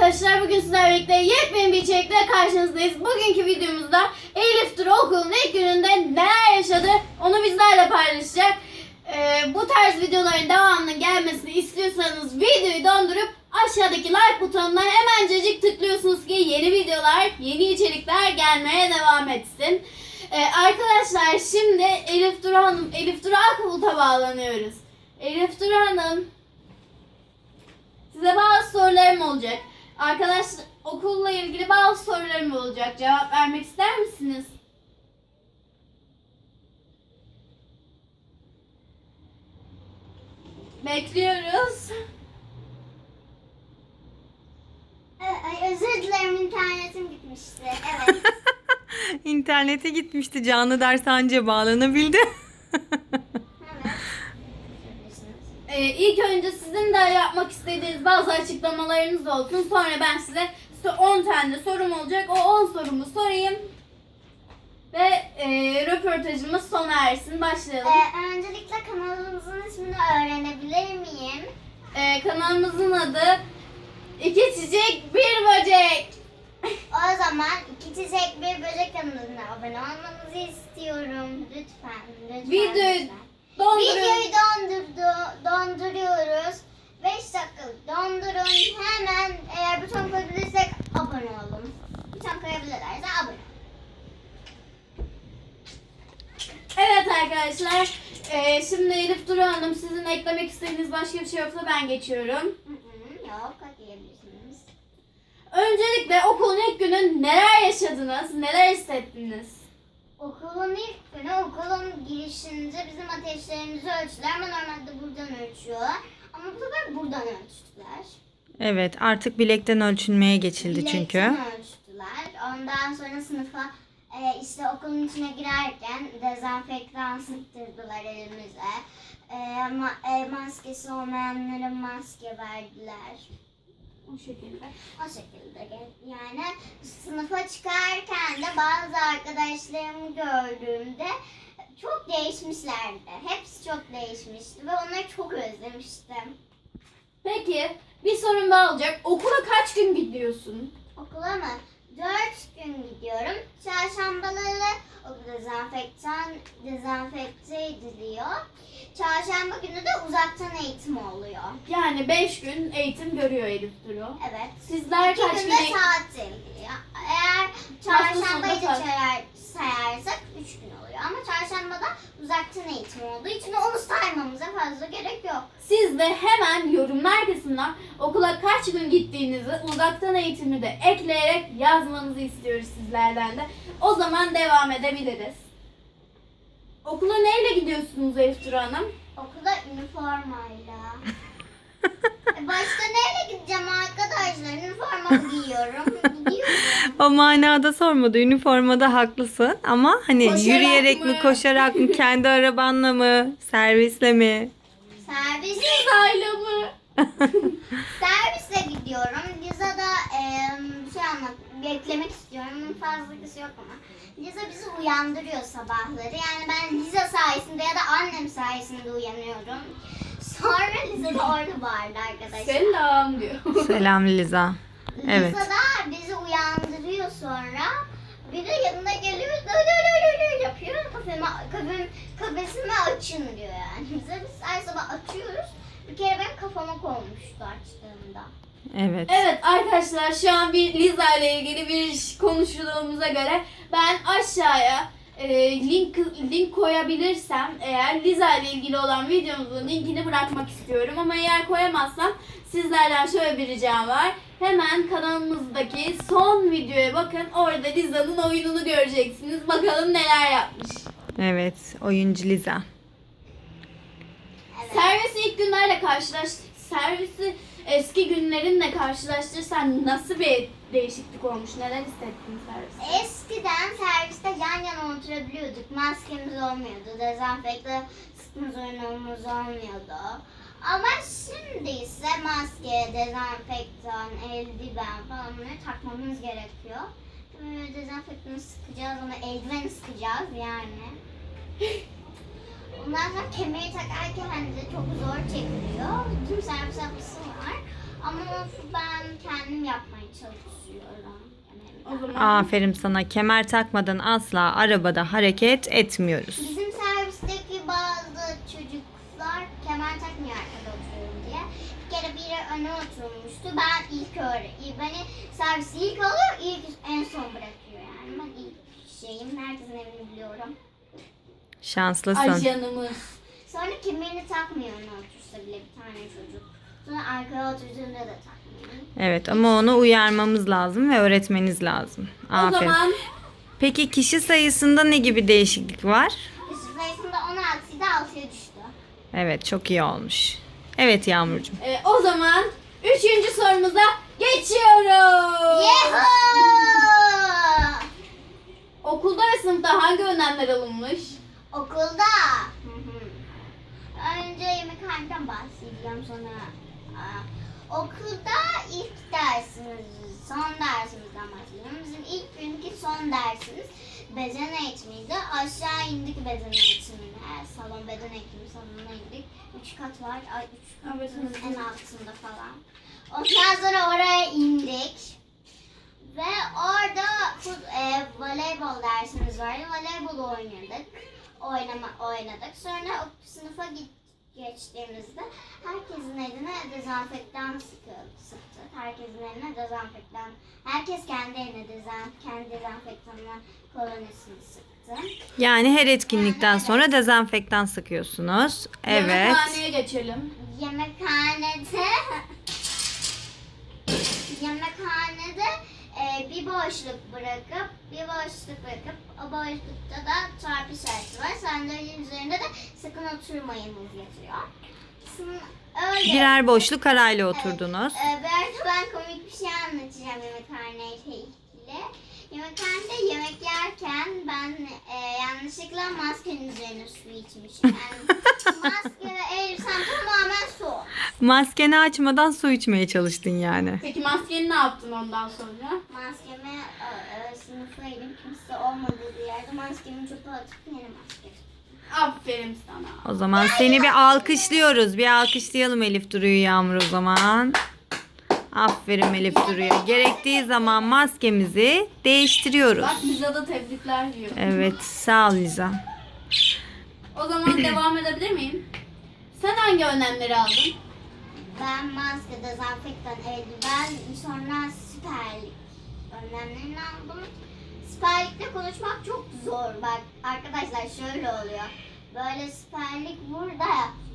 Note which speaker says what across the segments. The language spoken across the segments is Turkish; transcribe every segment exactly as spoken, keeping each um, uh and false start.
Speaker 1: arkadaşlar, bugün sizlerle birlikte yepyeni bir içerikle karşınızdayız. Bugünkü videomuzda Elif Duru okulun ilk gününde neler yaşadı onu bizlerle paylaşacak. Ee, bu tarz videoların devamının gelmesini istiyorsanız videoyu dondurup aşağıdaki like butonuna hemencecik tıklıyorsunuz ki yeni videolar, yeni içerikler gelmeye devam etsin. Ee, arkadaşlar şimdi Elif Duru Hanım, Elif Duru Akbulut'a bağlanıyoruz. Elif Duru Hanım, size bazı sorularım olacak. Arkadaşlar, okulla ilgili bazı sorularım olacak. Cevap vermek ister misiniz? Bekliyoruz.
Speaker 2: Ay, özür dilerim, internetim gitmişti. Evet.
Speaker 3: İnternete gitmişti. Canlı ders anca bağlanabildi.
Speaker 1: Ee, ilk önce sizin de yapmak istediğiniz bazı açıklamalarınız olsun. Sonra ben size on tane sorum olacak. O on sorumu sorayım. Ve e, röportajımız sona ersin. Başlayalım.
Speaker 2: Ee, öncelikle kanalımızın ismini öğrenebilir miyim?
Speaker 1: Ee, kanalımızın adı İki Çiçek Bir Böcek.
Speaker 2: O zaman iki çiçek bir böcek kanalına abone olmanızı istiyorum. Lütfen, lütfen.
Speaker 1: Videoyu
Speaker 2: lütfen.
Speaker 1: donduruyorum.
Speaker 2: Videoyu dondurdu, donduruyoruz. beş dakikalık dondurun. Hemen eğer buton koyabilirsek abone olun. Buton koyabilirlerse abone olun.
Speaker 1: Evet arkadaşlar. e, şimdi Elif Duru Hanım, sizin eklemek istediğiniz başka bir şey yoksa ben geçiyorum.
Speaker 2: Hı hı, yok, ekleyebilirsiniz.
Speaker 1: Öncelikle okulun ilk günü neler yaşadınız? Neler hissettiniz?
Speaker 2: Okulun ilk günü okulun girişinde bizim ateşlerimizi ölçtüler ama normalde buradan ölçüyorlar. Ama bu sefer buradan ölçtüler.
Speaker 3: Evet, artık bilekten ölçülmeye geçildi
Speaker 2: Bilekten
Speaker 3: çünkü.
Speaker 2: ölçtüler. Ondan sonra sınıfa e, işte okulun içine girerken dezenfektan sıktırdılar elimize. E, ma- e, maskesi olmayanlara maske verdiler.
Speaker 1: O şekilde.
Speaker 2: O şekilde yani sınıfa çıkarken de bazı arkadaşlarımı gördüğümde çok değişmişlerdi. Hepsi çok değişmişti ve onları çok özlemiştim.
Speaker 1: Peki bir sorum daha olacak. Okula kaç gün gidiyorsun?
Speaker 2: Okula mı? Dört gün gidiyorum. Çarşambaları okul dezenfektan, dezenfekte ediliyor. Çarşamba günü de uzaktan eğitim oluyor.
Speaker 1: Yani beş gün eğitim görüyor Elif Duru.
Speaker 2: Evet.
Speaker 1: Sizler
Speaker 2: İki
Speaker 1: kaç
Speaker 2: günde
Speaker 1: gün eğitim?
Speaker 2: tatil. Eğer
Speaker 1: Hafta
Speaker 2: çarşambayı
Speaker 1: sonu
Speaker 2: da
Speaker 1: tatil.
Speaker 2: sayar, sayarsak üç gün oluyor. Ama çarşambada uzaktan eğitim olduğu için onu saymamıza fazla gerek yok.
Speaker 1: Siz de hemen yorumlar kısmına okula kaç gün gittiğinizi, uzaktan eğitimi de ekleyerek yazmanızı istiyoruz sizlerden de. O zaman devam edebiliriz. Okula neyle gidiyorsunuz Elif Duru Hanım?
Speaker 2: Okula üniformayla. E Başka neyle gideceğim arkadaşlar? Üniformamı giyiyorum. Gidiyorum.
Speaker 3: O manada sormadı. Üniformada haklısın ama hani
Speaker 1: Koşarak
Speaker 3: yürüyerek
Speaker 1: mı?
Speaker 3: mi, koşarak mı, kendi arabanla mı, servisle mi?
Speaker 2: Servis,
Speaker 1: Uzaylı mı?
Speaker 2: servisle gidiyorum. Liza'da e, bir şey anlat, beklemek istiyorum. Bunun fazlası yok ama. Liza bizi uyandırıyor sabahları. Yani ben Liza sayesinde ya da annem sayesinde uyanıyorum. Sonra Liza da orada bağırdı arkadaşlar.
Speaker 1: Selam diyor.
Speaker 3: Selam Liza. Evet.
Speaker 2: Liza da bizi uyandırıyor sonra. Bir de yanına geliyor, "Dö, dö, dö, dö, dö" yapıyor. Kafemi, kafem, kafesimi açın diyor yani. Bize biz her sabah açıyoruz. Bir kere benim kafama konmuştu açtığımda.
Speaker 3: Evet.
Speaker 1: Evet arkadaşlar, şu an bir Liza ile ilgili bir konuştuğumuza göre ben aşağıya e, link link koyabilirsem eğer Liza ile ilgili olan videomuzun linkini bırakmak istiyorum. Ama eğer koyamazsam sizlerden şöyle bir ricam var. Hemen kanalımızdaki son videoya bakın. Orada Liza'nın oyununu göreceksiniz. Bakalım neler yapmış.
Speaker 3: Evet, oyuncu Liza.
Speaker 2: Evet.
Speaker 1: Servisi ilk günlerle karşılaş servisi eski günlerinle karşılaştırırsan nasıl bir değişiklik olmuş? Neler hissettin serviste?
Speaker 2: Eskiden serviste yan yana oturabiliyorduk. Maskemiz olmuyordu. Dezenfekte sıkma zorunluluğumuz olmuyordu. Ama şimdi ise maske, dezenfektan, eldiven falan bunları takmamız gerekiyor. Böyle dezenfektanı sıkacağız ama eldiveni sıkacağız yani. Ondan sonra kemeri takarken de çok zor çekiliyor. Tüm servis yapısı var. Ama onu ben kendim yapmaya çalışıyorum. Yani
Speaker 1: O zaman
Speaker 3: Aferin sana. Kemer takmadan asla arabada hareket etmiyoruz.
Speaker 2: bizim servisteki bazı çocuklar kemer takmıyor arkada oturuyorum diye. Bir kere biri öne oturmuştu. Ben ilk öğre. Beni servisi ilk alıyor, ilk en son bırakıyor yani. Ben ilk şeyim. Herkesin evini biliyorum.
Speaker 3: Şanslısın.
Speaker 1: Ayşe'nimiz.
Speaker 2: Sonra kemerini takmıyor öne otursa bile bir tane çocuk. Sonra arkaya oturduğunda da takmıyor.
Speaker 3: Evet ama onu uyarmamız lazım ve öğretmeniz lazım.
Speaker 1: O
Speaker 3: Aferin.
Speaker 1: zaman
Speaker 3: Peki kişi sayısında ne gibi değişiklik var?
Speaker 2: Kişi sayısında on altıydı, altıya düştü.
Speaker 3: Evet, çok iyi olmuş. Evet Yağmurcuğum.
Speaker 1: e, o zaman üçüncü sorumuza geçiyoruz.
Speaker 2: Yahoo!
Speaker 1: Okulda ve sınıfta hangi önlemler alınmış?
Speaker 2: Okulda. Hı hı. Önce yemekhaneden bahsedeceğim sonra. Aa, okulda ilk dersimiz, son dersimizden bahsedeceğim. Bizim ilk günkü son dersimiz beden eğitimiydi. Aşağı indik beden eğitimine. Salon beden eğitimi salonuna indik. Üç kat var. Ay, üç
Speaker 1: Evet,
Speaker 2: katın
Speaker 1: evet.
Speaker 2: en altında falan. Ondan sonra oraya indik. Ve orada fut- e, voleybol dersimiz vardı. Voleybol oynadık. Oynama, oynadık. Sonra o sınıfa git, geçtiğimizde herkesin eline dezenfektan sıkı, sıktı. Herkesin eline dezenfektan. Herkes kendi eline dezen, kendi dezenfektanına kolonisini sıktı.
Speaker 3: Yani her etkinlikten sonra dezenfektan sıkıyorsunuz. Evet.
Speaker 1: Yemekhaneye geçelim.
Speaker 2: Yemekhanede yemekhanede e, bir boşluk bırakıp bir boşluk bırakıp o boşlukta da çarpı işareti var. Sandalyenin üzerinde de sakın oturmayınız yazıyor. Sın- Öyle.
Speaker 3: Birer boşluk arayla oturdunuz.
Speaker 2: Evet, e, bir arada ben komik bir şey anlatacağım yemekhaneyle ilgili. Yemekhanede yemek yerken ben e, yanlışlıkla maskenin üzerine su içmişim. Yani maske ve elbisem tamamen su.
Speaker 3: Maskeni açmadan su içmeye çalıştın yani.
Speaker 1: Peki maskeni ne yaptın ondan sonra?
Speaker 2: Maskemi e, e, sınıfa inip kimse olmadığı bir yerde maskemi çöpe atıp yeni maske.
Speaker 1: Aferin sana.
Speaker 3: O zaman seni bir alkışlıyoruz. Bir alkışlayalım Elif Duru'yu Yağmur o zaman. Aferin Elif Duru'ya. Gerektiği zaman maskemizi değiştiriyoruz.
Speaker 1: Bak bize de tebrikler diyor.
Speaker 3: Evet, sağ ol Liza.
Speaker 1: O zaman devam edebilir miyim? Sen hangi önlemleri aldın?
Speaker 2: Ben maske, dezenfektan, eldiven, sonra siperlik önlemlerini aldım. Siperlikle konuşmak çok zor. Bak arkadaşlar şöyle oluyor. Böyle siperlik burada.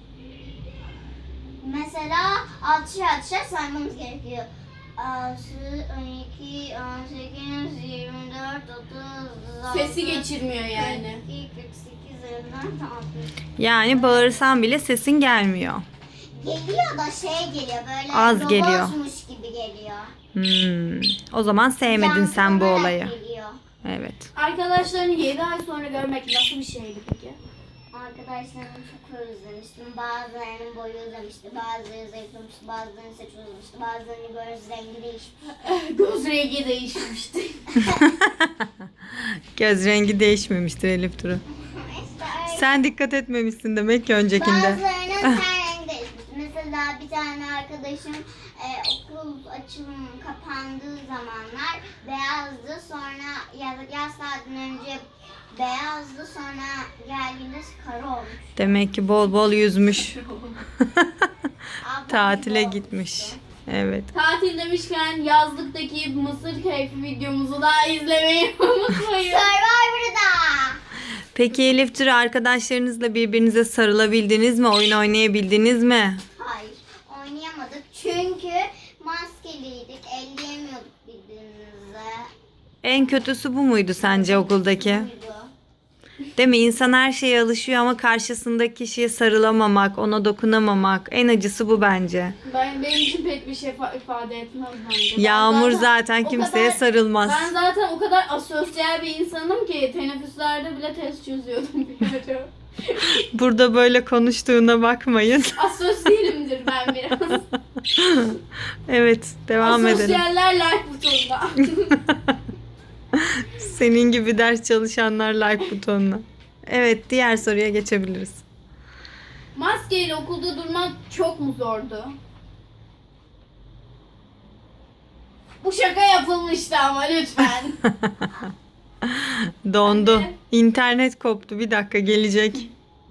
Speaker 2: Mesela altışar altışar saymamız gerekiyor. altı, on iki, on sekiz, yirmi dört, otuz,
Speaker 1: Sesi geçirmiyor yani.
Speaker 2: kırk iki, kırk sekiz, yirmi dört, altmış.
Speaker 3: Yani bağırsan bile sesin gelmiyor.
Speaker 2: Geliyor da şey geliyor böyle
Speaker 3: Az geliyor.
Speaker 2: robotmuş gibi geliyor.
Speaker 3: Hmm. O zaman sevmedin sen bu
Speaker 2: Yankılanarak
Speaker 3: olayı.
Speaker 2: geliyor.
Speaker 3: Evet.
Speaker 1: Arkadaşlarını yedi ay sonra görmek nasıl bir şeydi peki?
Speaker 2: Arkadaşlarımı çok özlemiştim. Bazılarının boyu uzamıştı, bazıları zayıflamıştı, bazılarının saçı uzamıştı, bazılarının göz rengi değişmişti.
Speaker 1: Göz rengi değişmişti.
Speaker 3: Göz rengi değişmemiştir Elif Duru.
Speaker 2: İşte öyle.
Speaker 3: Sen dikkat etmemişsin demek ki öncekinde.
Speaker 2: Bazılarının ten rengi değişmişti. Mesela bir tane arkadaşım e, okul açılım kapandığı zamanlar beyazdı. Sonra yaz, yaz tatilinden önce beyazdı. Sonra geldiğinde sarı olmuş.
Speaker 3: Demek ki bol bol yüzmüş.
Speaker 2: Ablam
Speaker 3: Tatile
Speaker 2: gibi
Speaker 3: gitmiş.
Speaker 2: olmuştu.
Speaker 3: Evet.
Speaker 1: Tatil demişken yazlıktaki mısır keyfi videomuzu da izlemeyi unutmayın.
Speaker 2: Survivor'da.
Speaker 3: Peki Elif Duru arkadaşlarınızla birbirinize sarılabildiniz mi? Oyun oynayabildiniz mi?
Speaker 2: Hayır, oynayamadık çünkü maskeliydik, elleyemiyorduk birbirimize.
Speaker 3: En kötüsü bu muydu sence okuldaki?
Speaker 2: Buydu.
Speaker 3: Değil mi? İnsan her şeye alışıyor ama karşısındaki kişiye sarılamamak, ona dokunamamak. En acısı bu bence.
Speaker 1: Ben benim için pek bir şey fa- ifade etmez bence. Ben
Speaker 3: Yağmur zaten
Speaker 1: o
Speaker 3: kimseye
Speaker 1: kadar-
Speaker 3: sarılmaz.
Speaker 1: Ben zaten o kadar asosyal bir insanım ki teneffüslerde bile test çözüyordum bir ara.
Speaker 3: Burada böyle konuştuğuna bakmayın.
Speaker 1: Asosyalimdir ben biraz.
Speaker 3: Evet, devam edelim.
Speaker 1: Asosyaller like butonuna.
Speaker 3: Senin gibi ders çalışanlar like butonuna. Evet, diğer soruya geçebiliriz.
Speaker 1: Maskeyle okulda durmak çok mu zordu? Bu şaka yapılmıştı ama lütfen.
Speaker 3: Dondu.
Speaker 1: Anne.
Speaker 3: İnternet koptu. Bir dakika gelecek.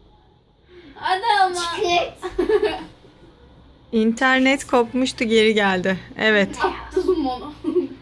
Speaker 1: Hadi ama.
Speaker 2: Kırt.
Speaker 3: İnternet kopmuştu, geri geldi. Evet.
Speaker 1: Attım onu.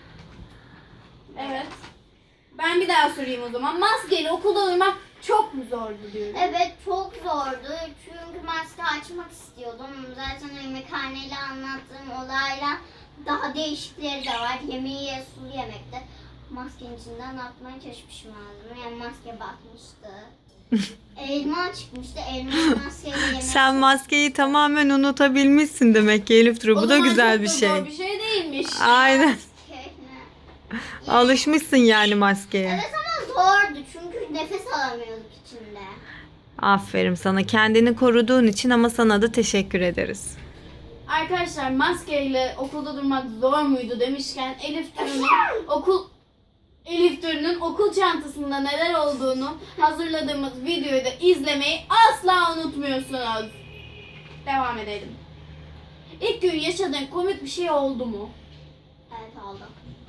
Speaker 1: Evet. Ben bir daha sorayım o zaman. Maskeli okulda uyumak çok mu zordu diyorum.
Speaker 2: Evet çok zordu çünkü maske açmak istiyordum. Zaten yemekhaneyle anlattığım olayla daha değişikleri de var. Yemeği ye, sulu yemekte. Maskenin içinden atmaya çalışmışım ağzıma. Yani maske batmıştı. Elma çıkmıştı. Elma maskeyle yemek.
Speaker 3: Sen maskeyi tamamen unutabilmişsin demek ki Elif Duru.
Speaker 1: O
Speaker 3: Bu da
Speaker 1: zaman
Speaker 3: güzel
Speaker 1: çok
Speaker 3: bir
Speaker 1: da
Speaker 3: şey.
Speaker 1: zor bir şey değilmiş.
Speaker 3: Aynen.
Speaker 2: Maske ne?
Speaker 3: Alışmışsın yani maskeye.
Speaker 2: Evet ama zordu çünkü nefes alamıyorduk içinde.
Speaker 3: Aferin sana. Kendini koruduğun için, ama sana da teşekkür ederiz.
Speaker 1: Arkadaşlar maskeyle okulda durmak zor muydu demişken Elif Duru'nun okul Elif Duru'nun okul çantasında neler olduğunu hazırladığımız videoyu da izlemeyi asla unutmuyorsunuz. Devam edelim. İlk gün yaşadığın komik bir şey oldu mu?
Speaker 2: Evet oldu.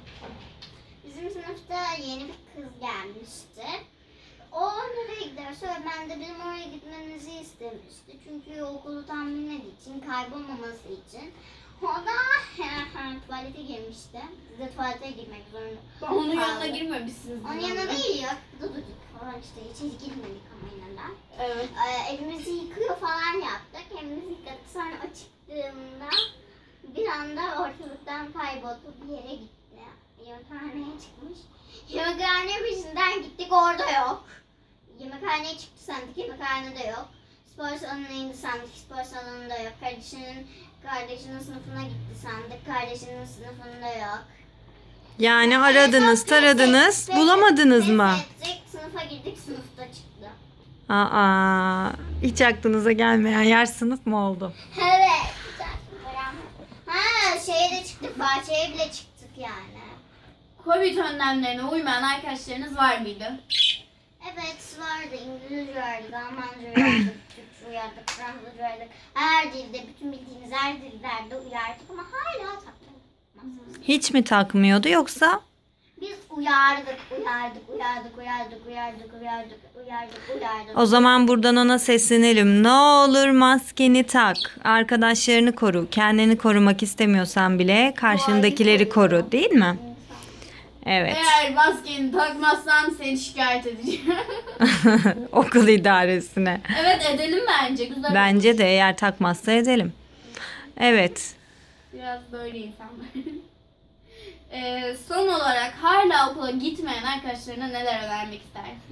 Speaker 2: Bizim sınıfta yeni bir kız gelmişti. O nereye giderse öğretmen de bizim oraya gitmemizi istemişti. Çünkü okulu tam bilmediği için, kaybolmaması için. O da tuvalete girmişti. Biz de tuvalete girmek zorunda.
Speaker 1: Ben onun yanına
Speaker 2: kaldık.
Speaker 1: girmemişsiniz.
Speaker 2: Onun yanına değil ya. Duduk falan işte. İçeri girmedik ama yine de.
Speaker 1: Evet.
Speaker 2: Ee, elimizi yıkıyor falan yaptık. Elimizi yıkadık. Sonra o çıktığında bir anda ortalıktan kayboldu. Bir yere gitti. Yemekhaneye çıkmış. Yemekhane peşinden gittik, orada yok. Yemekhaneye çıktı sandık, yemekhanede yok. Spor salonuna indi sandık, spor salonunda yok. Kardeşinin kardeşinin sınıfına gitti sandık, kardeşinin sınıfında yok.
Speaker 3: Yani aradınız,
Speaker 2: Sonra
Speaker 3: taradınız,
Speaker 2: pes-
Speaker 3: bulamadınız
Speaker 2: pes
Speaker 3: mı?
Speaker 2: ettik, sınıfa girdik, sınıfta çıktı.
Speaker 3: Aa, hiç aklınıza gelmeyen yer sınıf mı oldu?
Speaker 2: Evet. Güzel. Ha şeye de çıktık, bahçeye bile çıktık yani.
Speaker 1: Covid önlemlerine uymayan arkadaşlarınız var mıydı?
Speaker 2: Evet vardı. İngilizce uyardık, Almanca uyardık, Türkçe uyardık, Fransızca uyardık. Her dilde, bütün bildiğiniz her dillerde uyardık ama hala takmadık.
Speaker 3: Hiç mi takmıyordu yoksa?
Speaker 2: Biz uyardık, uyardık, uyardık, uyardık, uyardık, uyardık, uyardık, uyardık.
Speaker 3: O zaman buradan ona seslenelim. Ne olur maskeni tak. Arkadaşlarını koru. Kendini korumak istemiyorsan bile karşındakileri koru, değil mi? Evet.
Speaker 1: Eğer maskeni takmazsan seni şikayet edeceğim.
Speaker 3: Okul idaresine.
Speaker 1: Evet edelim bence. Güzel.
Speaker 3: Bence de, eğer takmazsa edelim. Evet.
Speaker 1: Biraz böyle insanlar. Ee, son olarak hala okula gitmeyen arkadaşlarına neler önermek istersin?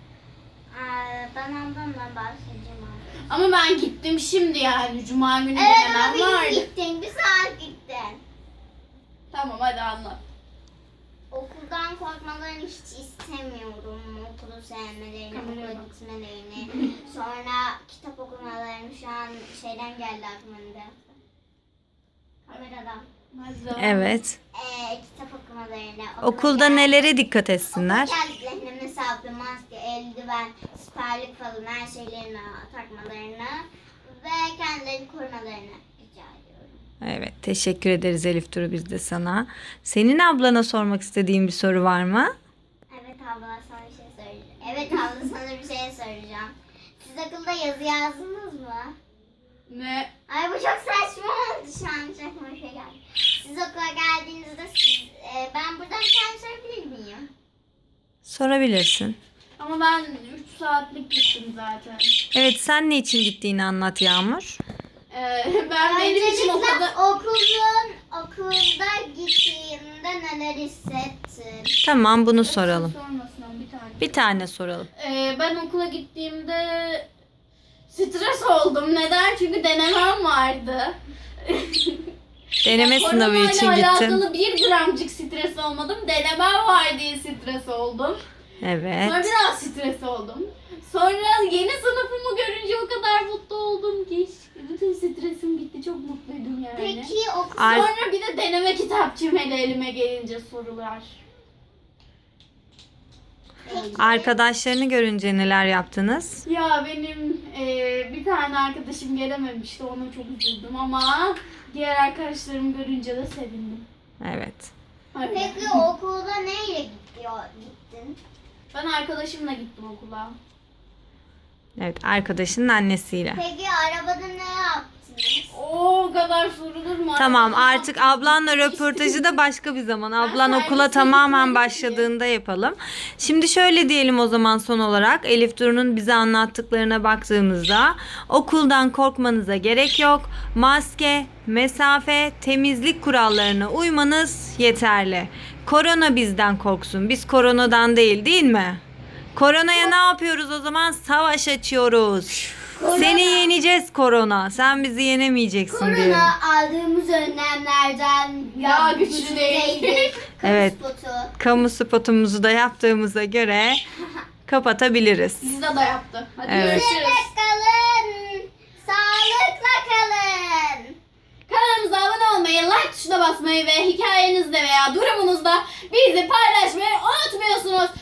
Speaker 2: Ee, ben ondan bahsedeceğim abi.
Speaker 1: Ama ben gittim şimdi yani. Cuma günü
Speaker 2: Evet
Speaker 1: denemem
Speaker 2: ama
Speaker 1: vardı.
Speaker 2: bir gittin, bir saat gittin.
Speaker 1: Tamam hadi anlat.
Speaker 2: Okuldan korkmalarını hiç istemiyorum. Okulu sevmelerini,
Speaker 1: Kameraya
Speaker 2: okula
Speaker 1: bak.
Speaker 2: gitmelerini. Sonra kitap okumalarını, şu an şeyden geldi aklıma bir de. Kameradan.
Speaker 1: Hadi devam.
Speaker 3: Evet.
Speaker 2: Ee, kitap okumalarını. okula
Speaker 3: Okulda
Speaker 2: gel-
Speaker 3: nelere dikkat etsinler?
Speaker 2: Okula geldiklerinde mesafe, maske, eldiven, siperlik falan her şeylerini takmalarını ve kendilerini korumalarını rica ediyorum.
Speaker 3: Evet, teşekkür ederiz Elif Duru, biz de sana. Senin ablana sormak istediğin bir soru var mı?
Speaker 2: Evet abla sana bir şey söyleyeceğim. Evet abla sana bir şey soracağım. Siz okulda yazı yazdınız mı?
Speaker 1: Ne?
Speaker 2: Ay bu çok saçma oldu şu an. Çok aklıma bir şey geldi. Siz okula geldiğinizde siz, e, ben buradan bir tane sorabilir miyim?
Speaker 3: Sorabilirsin.
Speaker 1: Ama ben üç saatlik gittim zaten.
Speaker 3: Evet, sen ne için gittiğini anlat Yağmur.
Speaker 1: Ee, ben benim için
Speaker 2: Öncelikle
Speaker 1: okulda...
Speaker 2: okulun, okulda gittiğimde neler hissettin?
Speaker 3: Tamam, bunu soralım.
Speaker 1: Sormasın ama bir tane.
Speaker 3: Bir tane soralım.
Speaker 1: Ee, ben okula gittiğimde stres oldum. Neden? Çünkü denemem vardı.
Speaker 3: Deneme sınavı
Speaker 1: Koronayla
Speaker 3: için gittin.
Speaker 1: alakalı bir gramcık stres olmadım. Denemem var diye stres oldum.
Speaker 3: Evet.
Speaker 1: Sonra biraz stres oldum. Sonra yeni sınıfımı görünce o kadar mutlu oldum ki. Bütün stresim gitti. Çok mutluydum yani.
Speaker 2: Peki okul
Speaker 3: Ar-
Speaker 1: Sonra bir de deneme kitapçığım hele elime gelince sorular.
Speaker 3: Arkadaşlarını görünce neler yaptınız?
Speaker 1: Ya benim eee, bir tane arkadaşım gelememişti. Ona çok üzüldüm ama diğer arkadaşlarımı görünce de sevindim.
Speaker 3: Evet.
Speaker 1: Öyle.
Speaker 2: Peki okulda neyle gidiyor, gittin?
Speaker 1: Ben arkadaşımla gittim okula.
Speaker 3: Evet, arkadaşının annesiyle.
Speaker 2: Peki arabada ne yaptınız?
Speaker 1: Oo, o kadar sorulur mu?
Speaker 3: Tamam,
Speaker 1: Arkadaşlar,
Speaker 3: artık ablanla röportajı da başka bir zaman. Ablan
Speaker 1: servise
Speaker 3: okula tamamen
Speaker 1: gitmedim ki.
Speaker 3: başladığında yapalım. Şimdi şöyle diyelim o zaman son olarak. Elif Duru'nun bize anlattıklarına baktığımızda okuldan korkmanıza gerek yok. Maske, mesafe, temizlik kurallarına uymanız yeterli. Korona bizden korksun. Biz koronadan değil, değil mi? Koronaya ne yapıyoruz o zaman? Savaş açıyoruz. Seni yeneceğiz korona. Sen bizi yenemeyeceksin diye.
Speaker 2: Korona aldığımız önlemlerden
Speaker 1: Daha güçlü değil.
Speaker 2: değil.
Speaker 3: Evet.
Speaker 2: Spotu.
Speaker 3: Kamu spotumuzu da yaptığımıza göre kapatabiliriz.
Speaker 1: Bizde de yaptı. Hadi
Speaker 3: Evet.
Speaker 1: görüşürüz.
Speaker 2: Bizimle kalın. Sağlıkla kalın.
Speaker 1: Kanalımıza abone olmayı, like tuşuna basmayı ve hikayenizde veya durumunuzda bizi paylaşmayı unutmuyorsunuz.